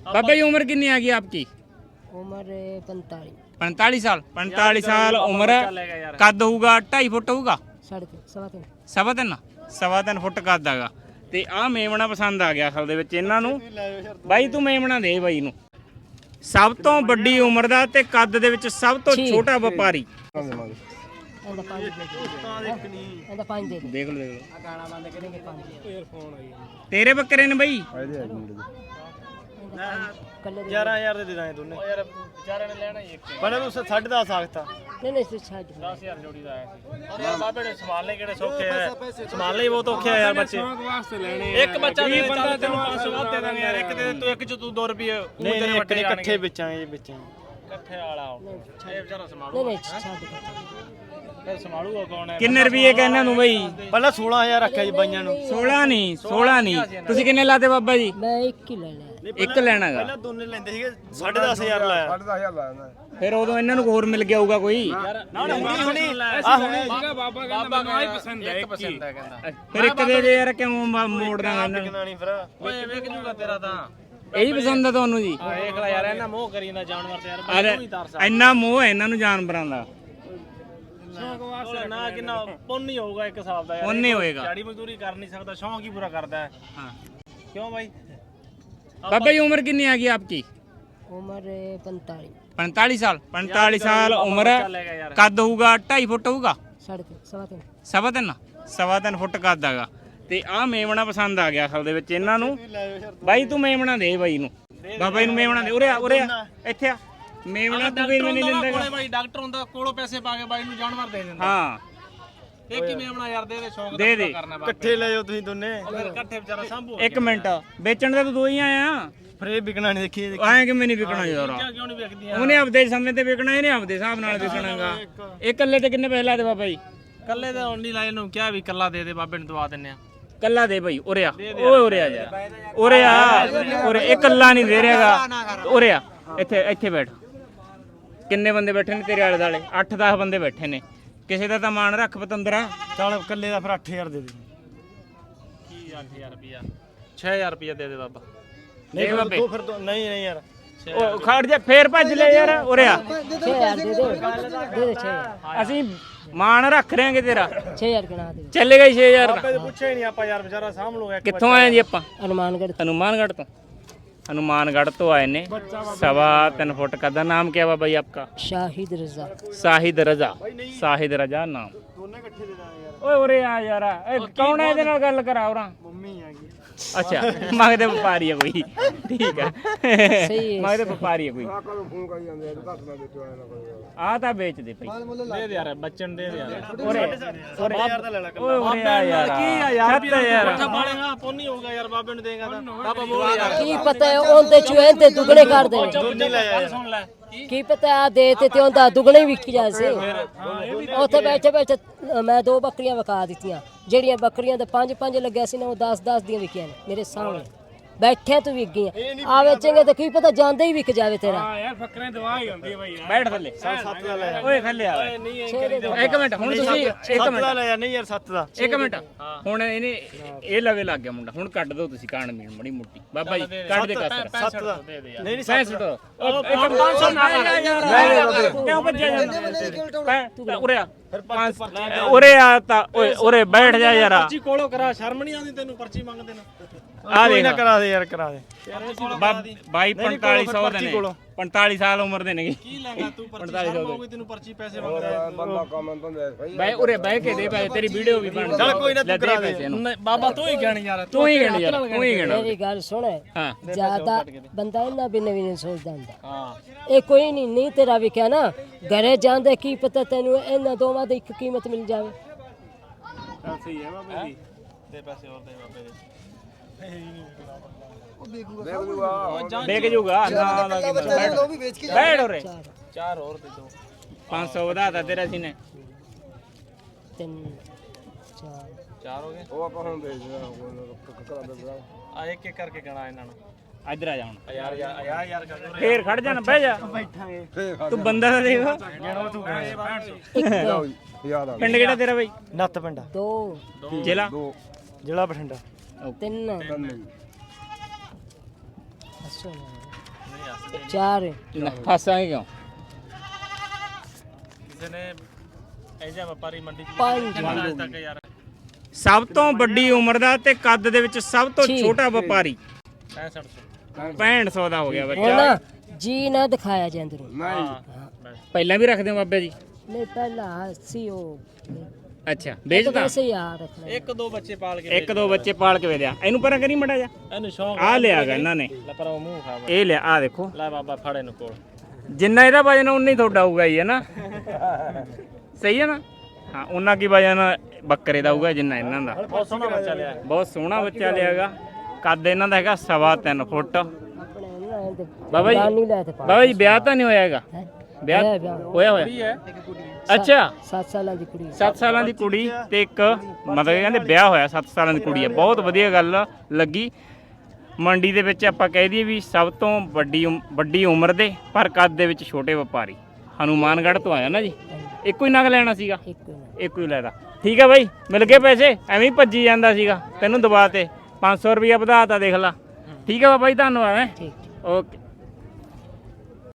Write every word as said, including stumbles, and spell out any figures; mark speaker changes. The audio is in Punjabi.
Speaker 1: बाबा जी उम्र कितनी आ गई आपकी?
Speaker 2: उम्र पैंतालीस
Speaker 1: पैंतालीस साल पैंतालीस साल उम्र कद होगा ढाई फुट होगा
Speaker 2: साढ़े तीन सवा तीन
Speaker 1: ਸਵਾ ਤਿੰਨ ਸਵਾ ਤਿੰਨ ਫੁੱਟ ਕੱਦ ਹੈਗਾ ਤੇ ਆਹ ਮੇਮਣਾ ਪਸੰਦ ਆ ਗਿਆ ਅਸਲ ਦੇ ਵਿੱਚ ਇਹਨਾਂ ਨੂੰ। ਬਾਈ ਤੂੰ ਮੇਮਣਾ ਦੇ ਬਾਈ ਨੂੰ। ਸਭ ਤੋਂ ਵੱਡੀ ਉਮਰ ਦਾ ਤੇ ਕੱਦ ਦੇ ਵਿੱਚ ਸਭ ਤੋਂ ਛੋਟਾ ਵਪਾਰੀ।
Speaker 2: ਇਹਦਾ ਪੰਜ ਦੇ ਦੇ ਇਹਦਾ ਪੰਜ ਦੇ ਦੇ
Speaker 1: ਦੇਖ ਲਓ ਦੇਖ ਲਓ
Speaker 2: ਆ ਗਾਣਾ ਬੰਦ ਕਰਾਂਗੇ ਪੰਜ ਏਅਰਫੋਨ ਆਈ
Speaker 1: ਤੇਰੇ ਬੱਕਰੇ ਨੇ ਬਾਈ
Speaker 3: ਗਿਆਰਾਂ ਹਜ਼ਾਰ ਦੇ ਦੇ ਦਾਂਗੇ ਦੋਨੇ ਯਾਰ ਵਿਚਾਰਿਆਂ ਨੇ ਲੈਣਾ ਹੀ ਇੱਕ ਬੜਾ ਤੂੰ ਸਾਢੇ ਦਸ ਆਖਤਾ
Speaker 2: ਨਹੀਂ ਨਹੀਂ ਤੂੰ ਛੱਡ
Speaker 3: ਦਸ ਹਜ਼ਾਰ ਜੋੜੀ ਦਾ ਆਇਆ ਸੀ ਔਰ ਯਾਰ ਬਾਬੇ ਨੇ ਸੰਭਾਲਣੇ ਕਿਹੜੇ ਸੌਖੇ ਆ ਸੰਭਾਲਣੇ ਹੀ ਬਹੁਤ ਔਖੇ ਆ ਯਾਰ ਬੱਚੇ
Speaker 4: ਵਾਸਤੇ ਲੈਣੇ
Speaker 3: ਇੱਕ ਬੱਚਾ ਦੇ ਬੰਦਾ ਤੈਨੂੰ ਪੰਜ ਸੌ ਵੱਧ ਦੇ ਦਾਂਗੇ ਯਾਰ ਇੱਕ ਦੇ ਤੂੰ ਇੱਕ ਚ ਤੂੰ ਦੋ ਰੁਪਏ ਨਹੀਂ ਨਹੀਂ ਇੱਕ ਇਕੱਠੇ ਵੇਚਾਂਗੇ ਜੀ ਵੇਚਾਂਗੇ ਇਕੱਠੇ ਵਾਲਾ ਇਹ ਵਿਚਾਰਾ ਸੰਭਾਲੂ
Speaker 2: ਨਹੀਂ ਨਹੀਂ ਛੱਡ
Speaker 3: ਫਿਰ ਸੰਭਾਲੂਗਾ ਕੌਣ ਹੈ?
Speaker 1: ਕਿੰਨੇ ਰੁਪਏ ਕਹਿੰਨਾਂ ਨੂੰ ਬਾਈ?
Speaker 3: ਪਹਿਲਾਂ ਸੋਲਾਂ ਹਜ਼ਾਰ ਰੱਖਿਆ ਜੀ ਬਾਈਆਂ ਨੂੰ।
Speaker 1: ਸੋਲਾਂ ਨਹੀਂ ਸੋਲਾਂ ਨਹੀਂ ਤੁਸੀਂ ਕਿੰਨੇ ਲਾਤੇ ਬਾਬਾ ਜੀ?
Speaker 2: ਮੈਂ ਇੱਕ ਹੀ ਲੈ ਲਿਆ
Speaker 1: ਇੱਕ ਲੈਣਾਗਾ।
Speaker 3: ਪਹਿਲਾਂ ਦੋਨੇ ਲੈਂਦੇ ਸੀਗੇ ਸਾਢੇ ਦਸ ਹਜ਼ਾਰ ਲਾਇਆ ਸਾਢੇ ਦਸ ਹਜ਼ਾਰ ਲਾਇਆ
Speaker 1: ਫਿਰ ਉਦੋਂ ਇਹਨਾਂ ਨੂੰ ਹੋਰ ਮਿਲ ਗਿਆ ਹੋਊਗਾ ਕੋਈ।
Speaker 3: ਨਾ ਨਾ ਹੁਣੀ ਹੁਣੀ ਆ ਹੁਣੀ
Speaker 4: ਬਾਬਾ ਕਹਿੰਦਾ ਮੈਨੂੰ ਆਈ ਪਸੰਦ ਹੈ ਇੱਕ ਪਸੰਦ ਹੈ ਕਹਿੰਦਾ
Speaker 1: ਫਿਰ ਇੱਕ ਦੇ ਦੇ ਯਾਰ ਕਿਉਂ ਮੋੜਦਾ ਇਹਨਾਂ ਨੂੰ?
Speaker 3: ਕਿੰਨਾ ਨਹੀਂ ਫਿਰ ਓਏ ਵੇਖ ਜੂਗਾ ਤੇਰਾ ਤਾਂ
Speaker 1: ਇਹੀ ਪਸੰਦ ਆ ਤੁਹਾਨੂੰ ਜੀ?
Speaker 3: ਵੇਖ ਲੈ ਯਾਰ ਇਹਨਾਂ ਮੋਹ ਕਰੀ ਨਾ ਜਾਨਵਰ ਤੇ ਯਾਰ
Speaker 1: ਅਰੇ
Speaker 3: ਮੈਨੂੰ ਹੀ ਤਰਸ ਆ
Speaker 1: ਇੰਨਾ ਮੋਹ ਹੈ ਇਹਨਾਂ ਨੂੰ ਜਾਨਵਰਾਂ ਦਾ।
Speaker 3: ਨਾ ਕਿੰਨਾ ਪੁੰਨ ਹੀ ਹੋਊਗਾ ਇੱਕ ਹਿਸਾਬ ਦਾ ਯਾਰ।
Speaker 1: ਪੁੰਨ ਹੀ ਹੋਏਗਾ।
Speaker 3: ਦਿਹਾੜੀ ਮਜ਼ਦੂਰੀ ਕਰ ਨਹੀਂ ਸਕਦਾ ਸ਼ੌਂਕ ਹੀ ਪੂਰਾ ਕਰਦਾ ਹੈ।
Speaker 1: ਹਾਂ
Speaker 3: ਕਿਉਂ ਬਾਈ?
Speaker 1: बाबा जी उम्र कितनी आ गई आपकी?
Speaker 2: उम्र पैंतालीस
Speaker 1: पैंतालीस साल पैंतालीस साल उम्र कद होगा ढाई फुट होगा
Speaker 2: साढ़े तीन सवा तीन
Speaker 1: ਸਵਾ ਤਿੰਨ ਸਵਾ ਤਿੰਨ ਫੁੱਟ ਕੱਦ ਹੈਗਾ ਤੇ ਆਹ ਮੇਮਣਾ ਪਸੰਦ ਆ ਗਿਆ ਅਸਲ ਦੇ ਵਿੱਚ ਇਹਨਾਂ ਨੂੰ। ਬਾਈ ਤੂੰ ਮੇਮਣਾ ਦੇ ਬਾਈ ਨੂੰ। ਬਾਬਾ ਜੀ ਨੂੰ ਮੇਮਣਾ ਦੇ। ਉਰੇ ਆ ਉਰੇ ਆ ਇੱਥੇ ਆ। ਮੇਮਣਾ ਤੂੰ ਵੀ ਨਹੀਂ ਦਿੰਦਾ
Speaker 3: ਕੋਲੇ ਬਾਈ ਡਾਕਟਰ ਹੁੰਦਾ ਕੋਲੋਂ ਪੈਸੇ ਪਾ ਕੇ ਬਾਈ ਨੂੰ ਜਾਨਵਰ ਦੇ ਦਿੰਦਾ।
Speaker 1: ਹਾਂ
Speaker 3: ਇਹ ਕੀ ਮੇਮਣਾ ਯਾਰ ਦੇ ਦੇ ਸ਼ੌਂਕ
Speaker 1: ਦੇ ਦੇ।
Speaker 3: ਕਰਨਾ ਬਾਬਾ ਇਕੱਠੇ ਲੈ ਜਾਓ ਤੁਸੀਂ ਦੋਨੇ ਫਿਰ ਇਕੱਠੇ ਵਿਚਾਰਾ ਸੰਭੂ
Speaker 1: ਇੱਕ ਮਿੰਟ ਵੇਚਣ ਦਾ ਤੂੰ ਦੋ ਹੀ ਆਇਆ
Speaker 3: ਫਿਰ ਇਹ ਵਿਕਣਾ ਨਹੀਂ ਦੇਖੀ
Speaker 1: ਐਂ ਕਿਵੇਂ ਨਹੀਂ ਵਿਕਣਾ ਯਾਰ?
Speaker 3: ਕਿਉਂ ਨਹੀਂ ਵਿਕਦੀਆਂ?
Speaker 1: ਉਹਨੇ ਆਪਦੇ ਸਮੇਂ ਤੇ ਵਿਕਣਾ ਇਹਨੇ ਆਪਦੇ ਹਿਸਾਬ ਨਾਲ ਵਿਕਣਾਗਾ। ਇਹ ਇਕੱਲੇ ਤੇ ਕਿੰਨੇ ਪੈਸੇ ਲਾਦੇ ਬਾਬਾ ਜੀ?
Speaker 3: ਕੱਲੇ ਤਾਂ ਹੁਣ ਨਹੀਂ ਲਾਏ ਨੂੰ ਕਿਹਾ ਵੀ ਕੱਲਾ ਦੇ ਦੇ ਬਾਬੇ ਨੂੰ ਦਵਾ ਦਿੰਨੇ ਆ।
Speaker 1: ਕੱਲਾ ਦੇ ਭਾਈ ਉਰੇ ਆ। ਓਏ ਉਰੇ ਆ ਯਾਰ ਉਰੇ ਆ ਉਰੇ। ਇਹ ਕੱਲਾ ਨਹੀਂ ਦੇ ਰਿਹਾਗਾ। ਉਰੇ ਆ ਇੱਥੇ ਇੱਥੇ ਬੈਠ। ਕਿੰਨੇ ਬੰਦੇ ਬੈਠੇ ਨੇ ਤੇਰੇ ਆਲੇ ਦਾਲੇ? ਅੱਠ ਦਸ ਬੰਦੇ ਬੈਠੇ ਨੇ। ਕਿਸੇ ਦਾ ਤਾਂ ਮਾਣ ਰੱਖ ਪਤੰਦਰਾ।
Speaker 3: ਚੱਲ ਕੱਲੇ ਦਾ ਫਿਰ ਅੱਠ ਹਜ਼ਾਰ ਦੇ ਦੇ। ਕੀ ਅੱਠ ਹਜ਼ਾਰ ਰੁਪਿਆ? ਛੇ ਹਜ਼ਾਰ ਰੁਪਿਆ ਦੇ ਦੇ ਬਾਬਾ।
Speaker 1: ਨਹੀਂ ਬਾਬੇ
Speaker 3: ਦੋ ਫਿਰ ਦੋ ਨਹੀਂ ਨਹੀਂ ਯਾਰ
Speaker 1: ਉਹ ਖੜ ਜਾ ਫੇਰ ਭੱਜ ਲੈ ਯਾਰ। ਉਰੇ ਆ
Speaker 2: छः हज़ार दे दे दे दे छः हज़ार
Speaker 1: ਅਸੀਂ ਮਾਣ ਰੱਖ ਰਹੇਂਗੇ ਤੇਰਾ।
Speaker 2: छः हज़ार गिना दे
Speaker 1: ਚੱਲੇਗਾ ਛੇ ਹਜ਼ਾਰ
Speaker 3: ਬਾਬੇ ਤੋਂ ਪੁੱਛਿਆ ਹੀ ਨਹੀਂ ਆਪਾਂ ਯਾਰ ਵਿਚਾਰਾ ਸਾਂਭ ਲੂਗਾ।
Speaker 1: ਕਿੱਥੋਂ ਆਏ ਜੀ ਆਪਾਂ?
Speaker 2: हनुमानगढ़
Speaker 1: हनुमानगढ़ तो हनुमानगढ़ तो आए ने। सवा तीन फुट का दा नाम क्या बाबा जी आपका?
Speaker 2: शाहिद रजा
Speaker 1: साहिद रजा। साहिद रजा नाम।
Speaker 3: ਦੋਨੇ ਇਕੱਠੇ ਦੇ ਦਾਂਗੇ ਯਾਰ।
Speaker 1: ਓਏ ਉਰੇ ਆ ਯਾਰ। ਇਹ ਕੌਣ ਹੈ ਇਹਦੇ ਨਾਲ ਗੱਲ ਕਰਾ ਉਰਾ?
Speaker 3: ਮੰਮੀ ਆ ਗਈ।
Speaker 1: ਅੱਛਾ ਮੰਗਦੇ ਵਪਾਰੀ ਆ ਕੋਈ। ਠੀਕ ਆ
Speaker 2: ਸਹੀ ਹੈ।
Speaker 1: ਮੰਗਦੇ ਵਪਾਰੀ ਆ ਕੋਈ। ਆ ਤਾਂ ਵੇਚ ਦੇ ਭਾਈ।
Speaker 3: ਦੇ ਦੇ ਯਾਰ ਬੱਚਨ ਦੇ ਦੇ ਯਾਰ।
Speaker 1: ਉਰੇ
Speaker 3: ਉਰੇ ਯਾਰ ਦਾ ਲੈ ਲੈ
Speaker 1: ਓਏ ਉਰੇ ਆ ਯਾਰ।
Speaker 3: ਕੀ ਆ ਯਾਰ
Speaker 1: ਸੱਤ ਯਾਰ।
Speaker 3: ਅੱਛਾ ਬਾਲੇਗਾ ਪੁੰਨ ਹੀ ਹੋਊਗਾ ਯਾਰ ਬਾਬੇ ਨੂੰ ਦੇਗਾ ਤਾਂ। ਬਾਬਾ ਬੋਲ ਯਾਰ
Speaker 2: ਕੀ ਪਤਾ ਹੈ ਉਹਦੇ ਚੂਹੇ ਤੇ ਦੁਗਣੇ ਕਰ ਦੇ।
Speaker 3: ਦੁੱਧ ਲੈ ਯਾਰ ਸੁਣ ਲੈ
Speaker 2: ਕੀ ਪਤਾ ਆ ਦੇ ਤੇ ਤੇ ਉਹਦਾ ਦੁਗਣੇ ਹੀ ਵਿਕ ਜਾ ਸੀ। ਉੱਥੇ ਬੈਠੇ ਬੈਠੇ ਮੈਂ ਦੋ ਬੱਕਰੀਆਂ ਵਿਕਾ ਦਿੱਤੀਆਂ। ਜਿਹੜੀਆਂ ਬੱਕਰੀਆਂ ਦੇ ਪੰਜ ਪੰਜ ਲੱਗਿਆ ਸੀ ਨਾ ਉਹ ਦਸ ਦਸ ਦੀਆਂ ਵਿਕੀਆਂ ਨੇ ਮੇਰੇ ਸਾਹਮਣੇ ਬੈਠੇ ਤੂੰ ਵਿਕ ਗਈਆਂ। ਆ ਵੇਚेंगे ਤਾਂ ਕੀ ਪਤਾ ਜਾਂਦੇ ਹੀ ਵਿਕ ਜਾਵੇ ਤੇਰਾ।
Speaker 4: ਹਾਂ ਯਾਰ ਫੱਕਰੇ ਦਵਾ ਹੀ ਹੁੰਦੀ ਹੈ ਬਾਈ ਯਾਰ।
Speaker 1: ਬੈਠ ਥੱਲੇ।
Speaker 3: ਸੱਤ ਦਾ ਲੈ
Speaker 1: ਓਏ ਥੱਲੇ ਆ।
Speaker 3: ਨਹੀਂ ਇਹ ਕਰੀ ਦੇ
Speaker 1: ਇੱਕ ਮਿੰਟ ਹੁਣ ਤੁਸੀਂ ਇੱਕ
Speaker 3: ਸੱਤ ਦਾ
Speaker 1: ਮਿੰਟ
Speaker 3: ਲੈ ਯਾਰ। ਨਹੀਂ ਯਾਰ ਸੱਤ ਦਾ
Speaker 1: ਇੱਕ ਮਿੰਟ ਹੁਣ ਇਹਨੇ ਇਹ ਲਵੇ ਲੱਗ ਗਿਆ ਮੁੰਡਾ। ਹੁਣ ਕੱਢ ਦੋ ਤੁਸੀਂ ਕਾਣ ਮੀਣ ਮੜੀ ਮੋਟੀ। ਬਾਬਾ ਜੀ ਕੱਢ ਦੇ ਕਸਰ।
Speaker 3: ਸੱਤ ਦਾ ਦੇ ਦੇ ਯਾਰ। ਨਹੀਂ ਨਹੀਂ
Speaker 1: ਪੈਸੇ ਦੋ। ਉਹ ਪੰਜ ਸੌ ਨਾ ਕਰ। ਕਿਉਂ ਭੱਜਿਆ ਜਾਂਦਾ? ਉਰੇ ਆ ਪੰਜ ਉਰੇ ਆ ਤਾਂ ਓਏ ਉਰੇ ਬੈਠ ਜਾ ਯਾਰ।
Speaker 3: ਪਰਚੀ ਕੋਲੋਂ ਕਰਾ ਸ਼ਰਮ ਨਹੀਂ ਆਉਂਦੀ ਤੈਨੂੰ ਪਰਚੀ ਮੰਗਦੇ ਨਾ।
Speaker 1: ਆ
Speaker 3: ਕੋਈ
Speaker 1: ਦੇਖ
Speaker 3: ਨਾ ਕਰਾ ਦੇ ਯਾਰ ਕਰਾ ਦੇ
Speaker 1: ਬਾਈ ਪੰਤਾਲੀ ਸੌ ਦੇ ਨੇ। ਪੰਤਾਲੀ ਸਾਲ ਉਮਰ ਦੇ ਨੇ।
Speaker 3: ਕੀ ਲੈਗਾ ਤੂੰ ਪਰਚੀ ਸ਼ਰਮ ਹੋਊਗੀ ਤੈਨੂੰ ਪਰਚੀ ਪੈਸੇ ਮੰਗਦਾ
Speaker 1: ਬੈ ਉਰੇ ਬਹਿ ਕੇ ਦੇ ਪੈਸੇ। ਤੇਰੀ ਵੀਡੀਓ ਵੀ ਬਣ
Speaker 3: ਚੱਲ ਕੋਈ ਨਾ
Speaker 1: ਲੈ
Speaker 3: ਤੂੰ
Speaker 1: ਦੇ
Speaker 3: ਕਰਾ ਦੇ।
Speaker 1: ਪੈਸੇ ਇਹਨੂੰ।
Speaker 3: ਨਹੀਂ, ਬਾਬਾ ਤੂੰ ਹੀ ਕਹਿਣੀ ਯਾਰ।
Speaker 1: ਤੂੰ ਹੀ ਗਿਣ ਯਾਰ ਤੂੰ ਹੀ ਗਿਣ।
Speaker 2: ਮੇਰੀ ਗੱਲ ਸੁਣ
Speaker 1: ਹਾਂ
Speaker 2: ਜਿਆਦਾ ਬੰਦਾ ਇਹਨਾਂ ਬਿਨੇ ਵੀ ਨਹੀਂ ਸੋਚਦਾ ਹੁੰਦਾ।
Speaker 3: ਹਾਂ
Speaker 2: ਇਹ ਕੋਈ ਨਹੀਂ ਨਹੀਂ ਤੇਰਾ ਵਿਕਿਆ ਨਾ ਘਰੇ ਜਾਂਦੇ ਕੀ ਪਤਾ ਤੈਨੂੰ ਇਹਨਾਂ ਦੋਵਾਂ ਦੀ ਇੱਕ ਕੀਮਤ ਮਿਲ ਜਾਵੇ।
Speaker 4: ਸਹੀ ਹੈ ਬਾਬੇ ਦੀ।
Speaker 3: ਦੇ ਪੈਸੇ ਹੋਰ ਦੇ ਬਾਬੇ ਦੇ।
Speaker 1: ਦੇਖ ਜੂਗਾ ਨਾ ਨਾ ਬੈਠ ਉਰੇ।
Speaker 3: ਚਾਰ ਹੋਰ ਦੇ ਦੋ।
Speaker 1: ਪੰਜ ਸੌ ਵਧਾਤਾ ਤੇਰਾ ਸੀ ਨੇ।
Speaker 2: ਤਿੰਨ ਚਾਰ
Speaker 3: ਚਾਰ ਹੋ ਗਏ। ਉਹ ਆਪਾਂ ਹੁਣ ਵੇਚ ਆ ਇੱਕ ਇੱਕ ਕਰਕੇ ਗਣਾ ਇਹਨਾਂ ਨੂੰ।
Speaker 1: ਇੱਧਰ ਆ ਜਾ ਹੁਣ।
Speaker 3: ਯਾਰ ਯਾਰ ਯਾਰ ਯਾਰ ਕਰ
Speaker 1: ਫੇਰ ਖੜ ਜਾ ਨਾ ਬਹਿ ਜਾ।
Speaker 3: ਬੈਠਾਂਗੇ
Speaker 1: ਤੂੰ ਬੰਦਾ ਤਾਂ ਦੇਖ।
Speaker 3: ਗਿਣੋ ਤੂੰ
Speaker 1: ਪਿੰਡ ਕਿਹੜਾ ਤੇਰਾ ਬਾਈ?
Speaker 3: ਨੱਤ ਪਿੰਡਾ
Speaker 2: ਦੋ
Speaker 1: ਜ਼ਿਲ੍ਹਾ
Speaker 3: ਜ਼ਿਲ੍ਹਾ ਬਠਿੰਡਾ।
Speaker 2: ਤਿੰਨ ਅੱਛਾ ਚਾਰ
Speaker 1: ਨਾ, ਫਸਾਂਗੇ ਕਿਉਂ?
Speaker 3: ਕਿਸੇ ਨੇ ਇਹ ਜਿਹਾ ਵਪਾਰੀ ਮੰਡੀ ਚ
Speaker 2: ਪੰਜ
Speaker 3: ਅੱਜ ਤੱਕ ਯਾਰ
Speaker 1: ਸਭ ਤੋਂ ਵੱਡੀ ਉਮਰ ਦਾ ਤੇ ਕੱਦ ਦੇ ਵਿੱਚ ਸਭ ਤੋਂ
Speaker 2: ਛੇ।
Speaker 1: ਛੋਟਾ ਵਪਾਰੀ
Speaker 3: ਪੈਂਸਠ ਸੌ
Speaker 1: ਪੈਂਹਠ ਸੌ ਦਾ ਹੋ ਗਿਆ
Speaker 2: ਹੁਣ
Speaker 1: ਬੱਚਾ।
Speaker 2: ਨਾ ਜੀ ਨਾ ਦਿਖਾਇਆ ਜੇ ਅੰਦਰੋਂ
Speaker 1: ਪਹਿਲਾਂ ਵੀ ਰੱਖਦੇ ਹੋ ਬਾਬੇ ਜੀ?
Speaker 2: ਨਹੀਂ ਪਹਿਲਾਂ ਸੀ ਉਹ
Speaker 1: ਅੱਛਾ ਵੇਚਦਾ?
Speaker 2: ਵੈਸੇ ਹੀ ਆ ਰੱਖਣਾ
Speaker 3: ਇੱਕ ਦੋ ਬੱਚੇ ਪਾਲ ਕੇ
Speaker 1: ਇੱਕ ਦੋ ਬੱਚੇ ਪਾਲ ਕੇ ਵੇਚਿਆ। ਇਹਨੂੰ ਪਰਾਂ ਕਰੀ ਮੜਾ ਜਾ।
Speaker 3: ਇਹਨੂੰ ਸ਼ੌਂਕ
Speaker 1: ਆ ਲਿਆਗਾ ਇਹਨਾਂ ਨੇ,
Speaker 3: ਲੈ ਪਰ ਉਹ ਮੂੰਹ ਖਾ
Speaker 1: ਇਹ ਲਿਆ ਆ ਦੇਖੋ।
Speaker 3: ਲੈ ਬਾਬਾ ਫੜ ਇਹਨੂੰ ਕੋਲ
Speaker 1: ਜਿੰਨਾ ਇਹਦਾ ਵਜਨ ਉਨਾ ਹੀ ਤੁਹਾਡਾ ਹੋਊਗਾ ਹੀ ਹੈ ਨਾ, ਸਹੀ ਹੈ ਨਾ? ਹਾਂ ਉਹਨਾਂ ਕੀ ਵਜਨ ਬੱਕਰੇ ਦਾ ਹੋਊਗਾ ਜਿੰਨਾ ਇਹਨਾਂ ਦਾ।
Speaker 3: ਬਹੁਤ ਸੋਹਣਾ ਬੱਚਾ ਲਿਆ
Speaker 1: ਬਹੁਤ ਸੋਹਣਾ ਬੱਚਾ ਲਿਆਗਾ। ਕੱਦ ਇਹਨਾਂ ਦਾ ਹੈਗਾ ਸਵਾ ਤਿੰਨ ਫੁੱਟ।
Speaker 2: ਆਪਣੇ ਨਾ ਤੇ
Speaker 1: ਬਾਬਾ ਜੀ
Speaker 2: ਨਹੀਂ ਲੈ ਤੇ ਪਾ
Speaker 1: ਬਾਬਾ ਜੀ ਵਿਆਹ ਤਾਂ ਨਹੀਂ ਹੋਇਆ ਹੈਗਾ?
Speaker 2: ਹੈਂ?
Speaker 1: ਵਿਆਹ
Speaker 2: ਹੈ ਵਿਆਹ।
Speaker 1: ਹੋਇਆ ਹੋਇਆ? ਅੱਛਾ
Speaker 2: ਸੱਤ ਸਾਲਾਂ ਦੀ ਕੁੜੀ
Speaker 1: ਸੱਤ ਸਾਲਾਂ ਦੀ ਕੁੜੀ ਤੇ ਇੱਕ ਮਤਲਬ ਕਹਿੰਦੇ ਵਿਆਹ ਹੋਇਆ ਸੱਤ ਸਾਲਾਂ ਦੀ ਕੁੜੀ ਹੈ। ਬਹੁਤ ਵਧੀਆ ਗੱਲ ਲੱਗੀ। ਮੰਡੀ ਦੇ ਵਿੱਚ ਆਪਾਂ ਕਹਿ ਦਈਏ ਵੀ ਸਭ ਤੋਂ ਵੱਡੀ ਉਮ- ਵੱਡੀ ਉਮਰ ਦੇ ਪਰ ਕੱਦ ਦੇ ਵਿੱਚ ਛੋਟੇ ਵਪਾਰੀ ਹਨੂਮਾਨਗੜ੍ਹ ਤੋਂ ਆਇਆ ਨਾ ਜੀ। ਇੱਕੋ ਹੀ ਨਗ ਲੈਣਾ ਸੀਗਾ?
Speaker 2: ਇੱਕ ਨਾ
Speaker 1: ਇੱਕੋ ਹੀ ਲੈਦਾ। ਠੀਕ ਹੈ ਬਾਈ, ਮਿਲ ਗਏ ਪੈਸੇ? ਐਵੇਂ ਹੀ ਭੱਜੀ ਜਾਂਦਾ ਸੀਗਾ, ਤੈਨੂੰ ਦਬਾ ਤੇ ਪੰਜ ਸੌ ਰੁਪਇਆ ਵਧਾਤਾ ਦੇਖ ਲਾ। ਠੀਕ ਹੈ ਬਾਬਾ ਜੀ, ਧੰਨਵਾਦ ਹੈ।
Speaker 2: ਠੀਕ ਠੀਕ
Speaker 1: ਓਕੇ।